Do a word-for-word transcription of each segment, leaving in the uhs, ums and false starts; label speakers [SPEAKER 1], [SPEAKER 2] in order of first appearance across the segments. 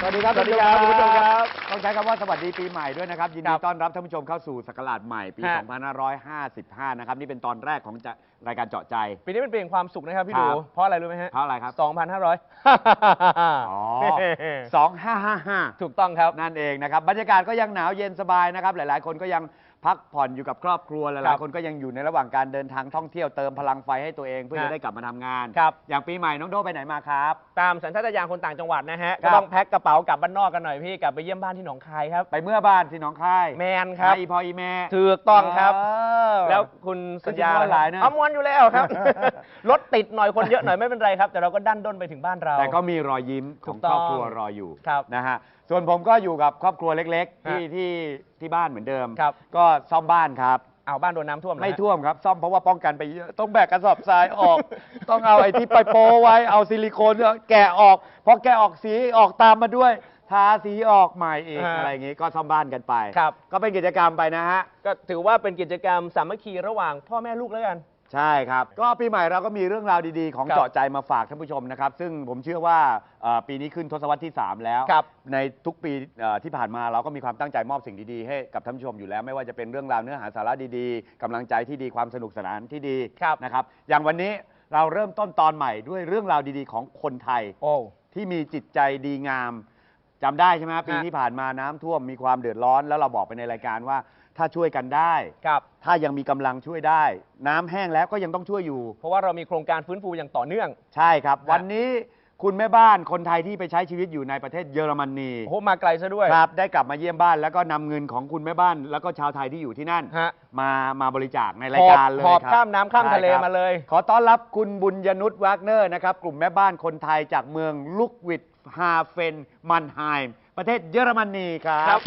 [SPEAKER 1] สวัสดีครับ
[SPEAKER 2] สวัสดีครับคุณผู้ชมครับ
[SPEAKER 1] ต้องใช้คำว่าสวัสดีปีใหม่ด้วยนะครับยินดีต้อนรับท่านผู้ชมเข้าสู่ศักราชใหม่ปี สองพันห้าร้อยห้าสิบห้า นะครับนี่เป็นตอนแรกของรายการเจาะใจ
[SPEAKER 2] ปีนี้เป็นปีแห่งความสุขนะครับพี่ดูเพราะอะไรรู้ไหมฮะ
[SPEAKER 1] เพราะอะไรครับ
[SPEAKER 2] สองพันห้าร้อย
[SPEAKER 1] อ๋อสองพันห้าร้อยห้าสิบห้า
[SPEAKER 2] ถูกต้องครับ
[SPEAKER 1] นั่นเองนะครับบรรยากาศก็ยังหนาวเย็นสบายนะครับหลายๆคนก็ยังพักผ่อนอยู่กับครอบครัวหลายๆคนก็ยังอยู่ในระหว่างการเดินทางท่องเที่ยวเติมพลังไฟให้ตัวเองเพื่อจะได้กลับมาทำงานอย่างปีใหม่น้องโดไปไหนมาครับ
[SPEAKER 2] ตามสัญชาตญาณคนต่างจังหวัดนะฮะก็ต้องแพ็คกระเป๋ากลับบ้านนอกกันหน่อยพี่กลับไปเยี่ยมบ้านที่หนองคายครับ
[SPEAKER 1] ไปเมื่อบ้านที่หนองคาย
[SPEAKER 2] แมนครับ
[SPEAKER 1] อีพออีแม่
[SPEAKER 2] ถูกต้องครับแล้วคุณสัญญา
[SPEAKER 1] หลายนะ
[SPEAKER 2] เอามวนอยู่แล้วครับรถติดหน่อยคนเยอะหน่อยไม่เป็นไรครับแต่เราก็ดันด้นไปถึงบ้านเรา
[SPEAKER 1] แต่ก็มีรอยยิ้มของครอบครัวรออยู่นะฮะส่วนผมก็อยู่กับครอบครัวเล็กๆที่ที่ที่บ้านเหมือนเดิมก็ซ่อมบ้านครับ
[SPEAKER 2] เอาบ้านโดนน้ำท่วม
[SPEAKER 1] ไม่ท่วมครับซ่อมเพราะว่าป้องกันไปเยอะต้องแบกกระสอบทรายออกต้องเอาไอ้ที่ไปโปไว้เอาซิลิโคนแกะออกพอแกะออกสีออกตามมาด้วยทาสีออกใหม่เองอะไรอย่างงี้ก็ซ่อมบ้านกันไปก็เป็นกิจกรรมไปนะฮะ
[SPEAKER 2] ก็ถือว่าเป็นกิจกรรมสามัคคีระหว่างพ่อแม่ลูกแล้วกัน
[SPEAKER 1] ใช่ครับก็ปีใหม่เราก็มีเรื่องราวดีๆของเจาะใจมาฝากท่านผู้ชมนะครับซึ่งผมเชื่อว่าปีนี้ขึ้นทศวรรษที่สามแล้วในทุกปีที่ผ่านมาเราก็มีความตั้งใจมอบสิ่งดีๆให้กับท่านผู้ชมอยู่แล้วไม่ว่าจะเป็นเรื่องราวเนื้อหาสาระดีๆกำลังใจที่ดีความสนุกสนานที่ดีนะครับอย่างวันนี้เราเริ่มต้นตอนใหม่ด้วยเรื่องราวดีๆของคนไทยที่มีจิตใจดีงามจำได้ใช่ไหมปีที่ผ่านมาน้ำท่วมมีความเดือดร้อนแล้วเราบอกไปในรายการว่าถ้าช่วยกันได้ถ้ายังมีกำลังช่วยได้น้ำแห้งแล้วก็ยังต้องช่วยอยู่
[SPEAKER 2] เพราะว่าเรามีโครงการฟื้นฟูอย่างต่อเนื่อง
[SPEAKER 1] ใช่ครับวันนี้คุณแม่บ้านคนไทยที่ไปใช้ชีวิตอยู่ในประเทศเยอรมนี
[SPEAKER 2] โอ้มาไกลซะด้วย
[SPEAKER 1] ครับได้กลับมาเยี่ยมบ้านแล้วก็นำเงินของคุณแม่บ้านแล้วก็ชาวไทยที่อยู่ที่นั่นมามาบริจาคในรายการเลย
[SPEAKER 2] หอบข้ามน้ำข้ามทะเลมาเลย
[SPEAKER 1] ขอต้อนรับคุณบุญยนุชวากเนอร์นะครับกลุ่มแม่บ้านคนไทยจากเมืองลุกวิดฮาเฟนมันไฮม์ประเทศเยอรมนีครับ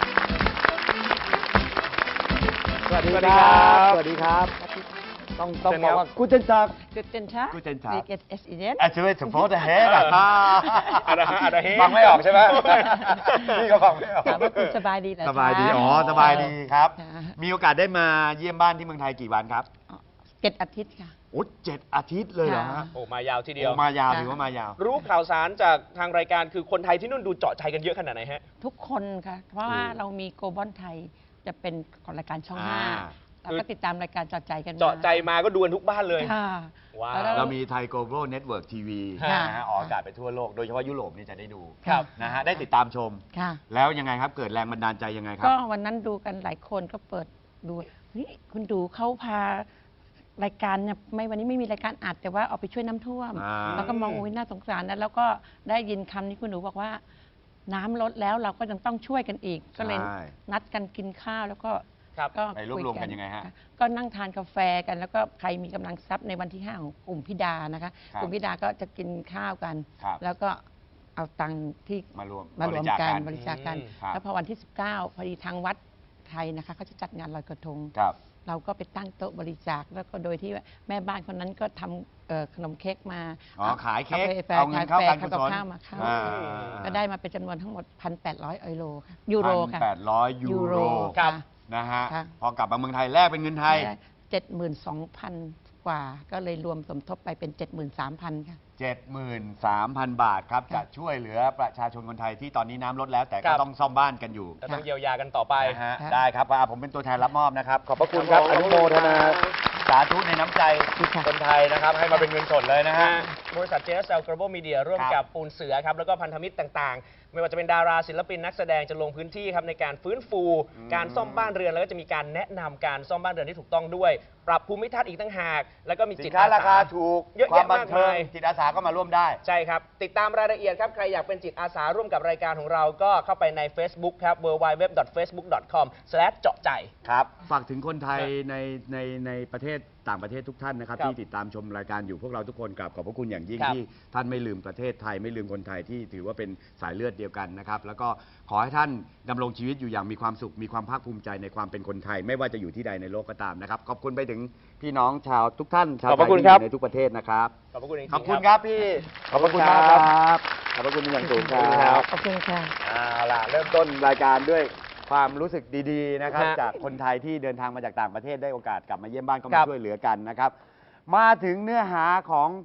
[SPEAKER 1] สวัสดีครับสวัสดีครับต้องต้องบอกว่ากูเจนทัก
[SPEAKER 3] กูเจนทัก
[SPEAKER 1] กูเจนทัก
[SPEAKER 3] เอสอีเดน
[SPEAKER 1] อ่ะช่วยสมโพธิเฮดอ่ะ
[SPEAKER 2] อะไรอะไรเฮ
[SPEAKER 1] ฟังไม่ออกใช่ไหมนี่ก็ฟังไม่ออก
[SPEAKER 3] ถามว่าคุณสบายดีเหรอ
[SPEAKER 1] สบายดีอ๋อสบายดีครับมีโอกาสได้มาเยี่ยมบ้านที่เมืองไทยกี่วันครับ
[SPEAKER 3] เจ็ดอาทิตย์ค่ะ
[SPEAKER 1] โอ้เจ็ดอาทิตย์เลยเหรอฮะ
[SPEAKER 2] โอ้มายาวทีเดียว
[SPEAKER 1] มายาวถือว่ามายาว
[SPEAKER 2] รู้ข่าวสารจากทางรายการคือคนไทยที่นู่นดูเจาะใจกันเยอะขนาดไหนฮะ
[SPEAKER 3] ทุกคนค่ะเพราะว่าเรามีโกลบอลไทยจะเป็นของรายการช่องห้าเราก็ติดตามรายการเจาะใจกัน
[SPEAKER 2] เจาะใจมาก็ดูกันทุกบ้านเลย
[SPEAKER 1] ว้าวเรามีไทย Global Network ที วี นะฮะออกอากาศไปทั่วโลกโดยเฉพาะยุโรปนี่จะได้ดูนะฮะได้ติดตามชมแล้วยังไงครับเกิดแรงบันดาลใจยังไงครับ
[SPEAKER 3] ก็วันนั้นดูกันหลายคนก็เปิดดูนี่คุณดูเขาพารายการเนี่ยไม่วันนี้ไม่มีรายการอัดแต่ว่าออกไปช่วยน้ำท่วมแล้วก็มองโอ้ยน่าสงสารนะแล้วก็ได้ยินคำนี้คุณหนูบอกว่าน้ำลดแล้วเราก็ยังต้องช่วยกันอีกก็เลยนัดกันกินข้าวแล้วก็
[SPEAKER 1] ก็ไปรวบรวมกันยังไงฮะ
[SPEAKER 3] ก็นั่งทานกาแฟกันแล้วก็ใครมีกำลังทรัพย์ในวันที่ห้าของกลุ่มพิดานะคะกลุ่มพิดาก็จะกินข้าวกันแล้วก็เอาตังค์ที่
[SPEAKER 1] มารวม
[SPEAKER 3] มารวมกันบริจาคกันแล้วพอวันที่สิบเก้าพอดีทางวัดไทยนะคะเขาจะจัดงานลอยกระทงเราก็ไปตั้งโต๊ะบริจาคแล้วก็โดยที่แม่บ้านคนนั้นก็ทำขนมเค้กมา
[SPEAKER 1] อ๋อขายเค้กเอาเงินเข้าการกุศล
[SPEAKER 3] มาเข้าก็ได้มาเป็นจำนวนทั้งหมด หนึ่งพันแปดร้อย ยูโรค่ะยูโรค่ะ
[SPEAKER 1] หนึ่งพันแปดร้อย ยูโรนะฮะพอกลับมาเมืองไทยแลกเป็นเงินไทย
[SPEAKER 3] เจ็ดหมื่นสองพัน กว่าก็เลยรวมสมทบไปเป็น เจ็ดหมื่นสามพัน ค่ะ
[SPEAKER 1] เจ็ดหมื่นสามพัน บาทครับจะช่วยเหลือประชาชนคนไทยที่ตอนนี้น้ำลดแล้วแต่ก็ต้องซ่อมบ้านกันอยู่
[SPEAKER 2] ก็ต้องเยียวยากันต่อไป
[SPEAKER 1] นะฮะได้ครับผมเป็นตัวแทนรับมอบนะครับขอบพระคุณครับอนุโมทนาสาธุในน้ำใจคนไทยนะครับให้มาเป็นเงินสดเลยนะฮะ
[SPEAKER 2] บริษัท เจ เอส แอล Global Media ร่วมกับปูนเสือครับแล้วก็พันธมิตรต่างๆไม่ว่าจะเป็นดาราศิลปินนักแสดงจะลงพื้นที่ครับในการฟื้นฟูการซ่อมบ้านเรือนแล้วก็จะมีการแนะนำการซ่อมบ้านเรือนที่ถูกต้องด้วยปรับภูมิทัศน์อีกตั้งหากแล้วก็มีจิตอาสา
[SPEAKER 1] ราคาถูก
[SPEAKER 2] เยอะแยะมากมาย
[SPEAKER 1] จิตอาสาก็มาร่วมได้
[SPEAKER 2] ใช่ครับติดตามรายละเอียดครับใครอยากเป็นจิตอาสาร่วมกับรายการของเราก็เข้าไปใน Facebook ครับ ดับเบิลยู ดับเบิลยู ดับเบิลยู ดอท เฟซบุ๊ก ดอท คอม สแลช เจาะใจ
[SPEAKER 1] ครับฝากถึงคนไทยในในในประเทศต่างประเทศทุกท่านนะครับที่ติดตามชมรายการอยู่พวกเราทุกคนกราบขอบพระคุณอย่างยิ่งที่ท่านไม่ลืมประเทศไทยไม่ลืมคนไทยที่ถือว่าเป็นสายเลือดเดียวกันนะครับแล้วก็ขอให้ท่านดำรงชีวิตอยู่อย่างมีความสุขมีความภาคภูมิใจในความเป็นคนไทยไม่ว่าจะอยู่ที่ใดในโลกก็ตามนะครับขอบคุณไปถึงพี่น้องชาวทุกท่านชาวไทยที่อยู่ในทุกประเทศนะครับ
[SPEAKER 2] ขอบคุณ
[SPEAKER 1] ขอบคุณครับพี่ขอบคุณครับขอบคุณอย่างสูงครับ
[SPEAKER 3] ขอบคุณค่ะ
[SPEAKER 1] เอาล่ะเริ่มต้นรายการด้วยความรู้สึกดีๆนะครับจากคนไทยที่เดินทางมาจากต่างประเทศได้โอกาสกลับมาเยี่ยมบ้านก็มาช่วยเหลือกันนะครับมาถึงเนื้อหาของ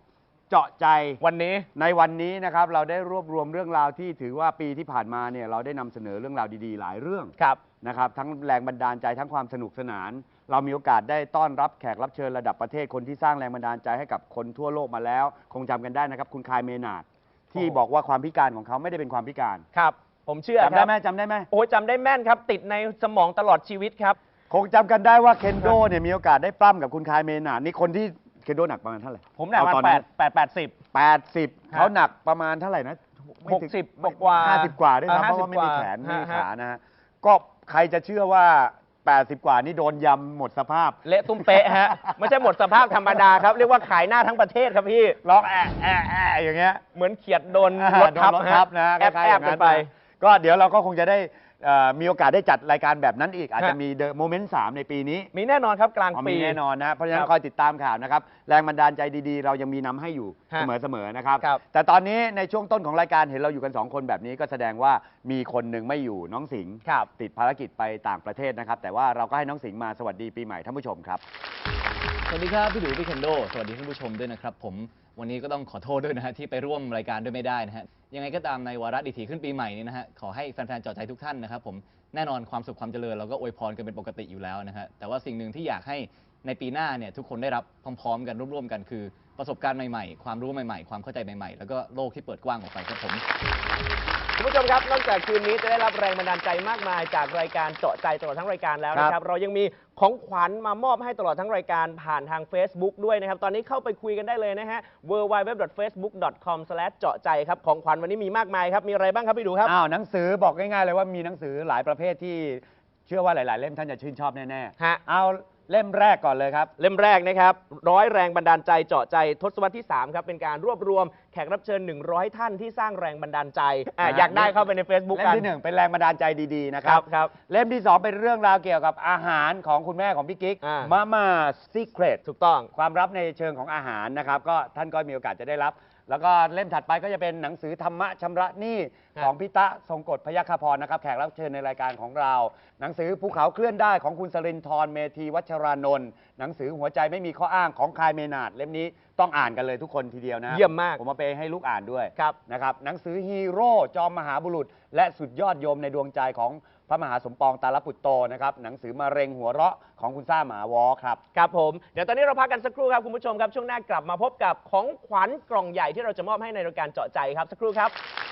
[SPEAKER 1] เจาะใจ
[SPEAKER 2] วันนี้
[SPEAKER 1] ในวันนี้นะครับเราได้รวบรวมเรื่องราวที่ถือว่าปีที่ผ่านมาเนี่ยเราได้นำเสนอเรื่องราวดีๆหลายเรื่อง
[SPEAKER 2] ครับ
[SPEAKER 1] นะครับทั้งแรงบันดาลใจทั้งความสนุกสนาน เรามีโอกาสได้ต้อนรับแขกรับเชิญระดับประเทศคนที่สร้างแรงบันดาลใจให้กับคนทั่วโลกมาแล้ว คงจำกันได้นะครับคุณคายเมนาดที่บอกว่าความพิการของเขาไม่ได้เป็นความพิการ
[SPEAKER 2] ครับ ผมเชื่อ
[SPEAKER 1] จำได้ไหมจำได้ไหม
[SPEAKER 2] โอ้ยจำได้แม่นครับ ติดในสมองตลอดชีวิตครับ
[SPEAKER 1] คงจำกันได้ว่าเคนโดเนี่ยมีโอกาสได้ปล้ำกับคุณคายเมนาดนี่คนที่เคนโดหนักประมาณเท่าไหร่
[SPEAKER 2] ผมหนัก
[SPEAKER 1] เอ
[SPEAKER 2] มา
[SPEAKER 1] ตอน
[SPEAKER 2] แป
[SPEAKER 1] นั้
[SPEAKER 2] ด
[SPEAKER 1] น
[SPEAKER 2] แปดแปดสิบ
[SPEAKER 1] แปดสิบเขาหนักประมาณเท่าไหร่นะไม่
[SPEAKER 2] หก
[SPEAKER 1] ถึง
[SPEAKER 2] สิบกว่า
[SPEAKER 1] ห้าสิบกว่าด้วย
[SPEAKER 2] เออ
[SPEAKER 1] ซ้ำเพราะว่าไม่มี
[SPEAKER 2] ห้าสิบ
[SPEAKER 1] แขนไม่มี
[SPEAKER 2] กว่า
[SPEAKER 1] ขานะฮะก็ใครจะเชื่อว่าแปดสิบกว่านี่โดนยำหมดสภาพ
[SPEAKER 2] เละตุ้มเป๊ะฮะ ไม่ใช่หมดสภาพธรรมดาครับ เรียกว่าขายหน้าทั้งประเทศครับพี่
[SPEAKER 1] ร้องแอะแอะแอะอย่างเงี้ย
[SPEAKER 2] เหมือนเขียดโดน
[SPEAKER 1] อ่าร
[SPEAKER 2] ถทับ
[SPEAKER 1] โดนรถทับนะ
[SPEAKER 2] แอบ
[SPEAKER 1] คล้ายๆ
[SPEAKER 2] แอ
[SPEAKER 1] อบ ย่าง
[SPEAKER 2] กั
[SPEAKER 1] นั้น น
[SPEAKER 2] ไป
[SPEAKER 1] นะก็เดี๋ยวเราก็คงจะได้เอ่อมีโอกาสได้จัดรายการแบบนั้นอีก อาจจะ
[SPEAKER 2] ฮะ
[SPEAKER 1] มีเดอะโมเมนต์สามในปีนี้
[SPEAKER 2] มีแน่นอนครับกลาง
[SPEAKER 1] อ๋อ
[SPEAKER 2] ปี
[SPEAKER 1] มีแน่นอนนะเพราะฉะนั้
[SPEAKER 2] คน รับ
[SPEAKER 1] คอยติดตามข่าวนะครับแรงบันดาลใจดีๆ เรายังมีนำให้อยู่
[SPEAKER 2] ฮะ
[SPEAKER 1] เสมอๆนะครับ
[SPEAKER 2] ครับ
[SPEAKER 1] แต่ตอนนี้ในช่วงต้นของรายการเห็นเราอยู่กันสองคนแบบนี้ก็แสดงว่ามีคนหนึ่งไม่อยู่น้องสิงห์
[SPEAKER 2] ครับ
[SPEAKER 1] ติดภารกิจไปต่างประเทศนะครับแต่ว่าเราก็ให้น้องสิงห์มาสวัสดีปีใหม่ท่านผู้ชมครับ
[SPEAKER 4] สวัสดีครับพี่ดูพี่เคนโดสวัสดีท่านผู้ชมด้วยนะครับผมวันนี้ก็ต้องขอโทษด้วยนะฮะที่ไปร่วมรายการด้วยไม่ได้นะฮะยังไงก็ตามในวาระดีถีขึ้นปีใหม่นี้นะฮะขอให้แฟนๆเจาะใจทุกท่านนะครับผมแน่นอนความสุขความเจริญเราก็อวยพรกันเป็นปกติอยู่แล้วนะฮะแต่ว่าสิ่งหนึ่งที่อยากให้ในปีหน้าเนี่ยทุกคนได้รับพร้อมๆกันร่วมๆกันคือประสบการณ์ใหม่ๆความรู้ใหม่ๆความเข้าใจใหม่ๆแล้วก็โลกที่เปิดกว้างออกไปครับผม
[SPEAKER 2] คุณผู้ชมครับ นอกจากคืนนี้จะได้รับแรงบันดาลใจมากมายจากรายการเจาะใจตลอดทั้งรายการแล้วนะค
[SPEAKER 1] ครั
[SPEAKER 2] รับบ เรายังมีของขวัญมามอบให้ตลอดทั้งรายการผ่านทาง Facebook ด้วยนะครับ ตอนนี้เข้าไปคุยกันได้เลยนะฮะ ดับเบิลยู ดับเบิลยู ดับเบิลยู ดอท เฟซบุ๊ก ดอท คอม สแลช เจาะใจครับของขวัญวันนี้มีมากมายครับมีอะไรบ้างครับพี่ดูครับ
[SPEAKER 1] อ้าวหนังสือบอกง่ายๆเลยว่ามีหนังสือหลายประเภทที่เชื่อว่าหลาย ๆ เล่มท่านจะชื่นชอบแน่
[SPEAKER 2] ฮะ
[SPEAKER 1] ๆเอาเล่มแรกก่อนเลยครับ
[SPEAKER 2] เล่มแรกนะครับร้อยแรงบันดาลใจเจาะใจทศวรรษที่สามครับเป็นการรวบรวมแขกรับเชิญหนึ่งร้อยท่านที่สร้างแรงบันดาลใจอ่ะ
[SPEAKER 1] นะ
[SPEAKER 2] อยากได้เข้าไปใน Facebook
[SPEAKER 1] เล่ม
[SPEAKER 2] กัน
[SPEAKER 1] ที่หนึ่งเป็นแรงบันดาลใจดีๆนะค
[SPEAKER 2] ค
[SPEAKER 1] รั
[SPEAKER 2] รั
[SPEAKER 1] บบ
[SPEAKER 2] ครับ
[SPEAKER 1] เล่มที่สองเป็นเรื่องราวเกี่ยวกับอาหารของคุณแม่ของพี่กิ๊ก
[SPEAKER 2] อ่า
[SPEAKER 1] มาม่าซีเครต
[SPEAKER 2] ถูกต้อง
[SPEAKER 1] ความลับในเชิงของอาหารนะครับก็ท่านก็มีโอกาสจะได้รับ แล้วก็เล่มถัดไปก็จะเป็นหนังสือธรรมะชำระหนี้
[SPEAKER 2] ครับ
[SPEAKER 1] ของพิตะทรงกฎพยัคฆพรนะครับแขกรับเชิญในรายการของเรา หนังสือภูเขาเคลื่อนได้ของคุณสรินทร์เมธีวัชรานนท์หนังสือหัวใจไม่มีข้ออ้างของคายเมนาดเล่มนี้ต้องอ่านกันเลยทุกคนทีเดียวนะ
[SPEAKER 2] เยี่ยมมาก
[SPEAKER 1] ผมมาไปให้ลูกอ่านด้วย
[SPEAKER 2] ครับ
[SPEAKER 1] นะครับหนังสือฮีโร่จอมมหาบุรุษ และสุดยอดโยมในดวงใจของพระมหาสมปองตาลปุตโตนะครับหนังสือมะเร็งหัวเราะของคุณซ่าหมาวอครับ
[SPEAKER 2] ครับผมเดี๋ยวตอนนี้เราพักกันสักครู่ครับคุณผู้ชมครับช่วงหน้ากลับมาพบกับของขวัญกล่องใหญ่ที่เราจะมอบให้ในรายการเจาะใจครับสักครู่ครับ